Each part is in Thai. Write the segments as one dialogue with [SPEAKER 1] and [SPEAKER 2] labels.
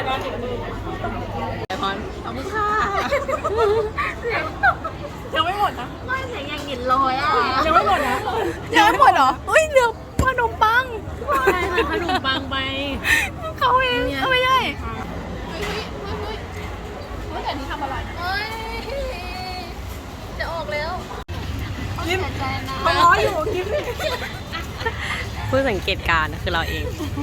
[SPEAKER 1] ไอพอนขอบคุณค่ะยังไม่หมดนะไม่เสียงยังหยินลอยอ่ะยังไม่หมดนะยังไม่หมดเหรออุ้ยเดี๋ยวขนมปังใช่ขนมปังไปเขาเองไม่ใช่แต่นี่ทำอะไรจะออกแล้วยิ้มมันร้อยอยู่ยิ้มผู้สังเกตการณ์คือเราเอง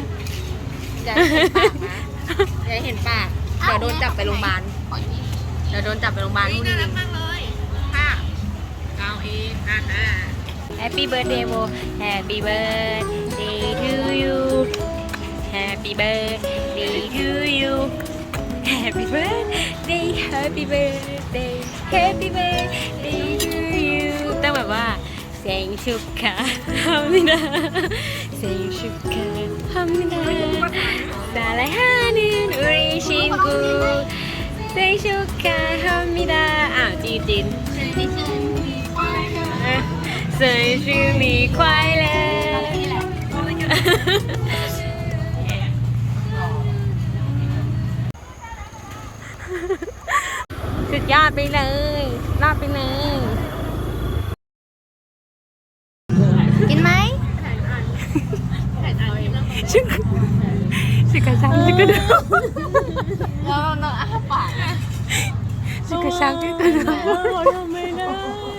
[SPEAKER 1] อย่าเห็นปากนะอย่าเห็นปากเดี๋ยวโดนจับไปโรงพยาบาลเดี๋ยวโดนจับไปโรงพยาบาลนู่นนี่ค่ะเอาเองHappy birthday โบ Happy birthday to you Happy birthday to you Happy birthday Happy birthday Happy birthday to you ต้องแบบว่าเสียงชุกค่ะฮัมมินาเสียงชุกค่ะฮัมมินาสาลายฮานินอุริชินกูเสียงชุกค่ะฮัมมินาจีน生日你快乐สุดยอดไปเลยรอดไปเลยกินไหมชิคกระชังชิคกระเดาเราอ้าปากชิคกระชังชิคกระเดาเราทำไม่ได้